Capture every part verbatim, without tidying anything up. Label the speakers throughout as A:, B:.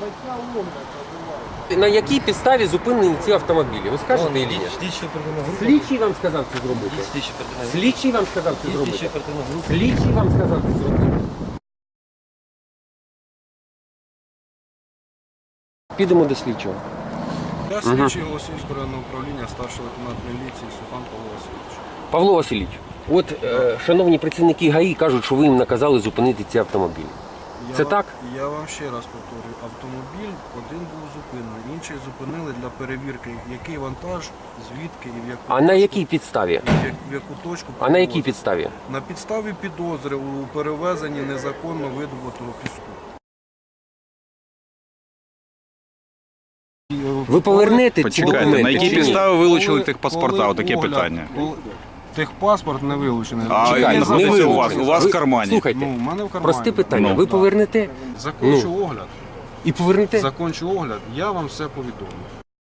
A: На якій підставі зупинені ці автомобілі? Ви скажете чи ні?
B: Слідчі оперативна група.
A: Слідчий вам сказав це зробити?
B: Слідчі оперативна група.
A: Слідчий вам сказав це
B: Слідчі
A: зробити?
B: оперативна група.
A: Слідчий вам сказав це зробити? Підемо до слідчого.
C: Я слідчий Голосіївського районного управління, старший лейтенант міліції Сухан Павло Васильович.
A: Павло Васильович, от е, шановні працівники ГАІ кажуть, що ви їм наказали зупинити ці автомобілі.
C: Я
A: Це
C: вам-
A: так?
C: Я вам ще раз повторюю, автомобіль один був зупинений, інший зупинили для перевірки, який вантаж, звідки і в яку
A: А на
C: точку-
A: якій підставі?
C: і в як- в яку точку.
A: А на якій
C: перевозити.
A: підставі?
C: На підставі підозри у перевезенні незаконно видобутого піску.
A: Ви повернете ці
D: Почекайте,
A: документи
D: на якій
A: чи ні?
D: підставі вилучили
C: Коли-
D: техпаспорта?
C: коли
D: Отаке
C: огляд-
D: питання.
C: коли- Техпаспорт не вилучений.
D: А
A: Чекайте,
D: він
A: не
D: знаходиться у вас,
A: вилучений.
D: у вас
A: Ви-
D: в кармані.
A: Слухайте,
C: Ну, у мене в кармані.
A: просте питання.
D: Ну,
A: Ви
C: да.
A: повернете
C: Закончу
A: Ну.
C: огляд.
A: і повернете?
C: Закончу огляд, я вам все повідомлю.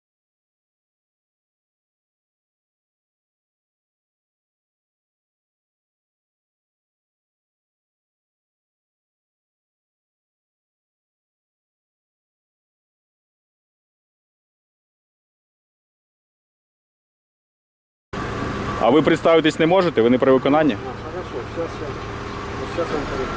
D: А ви представитись не можете? Ви не при виконанні?
C: Хорошо, сейчас я, сейчас я вам перейду.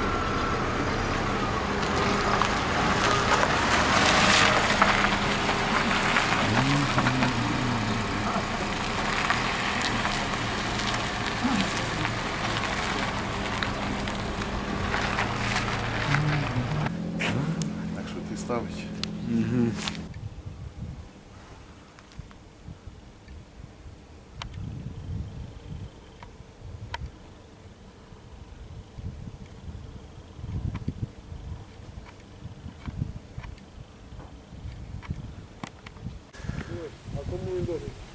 C: Так що ти ставиш? А кому він должен?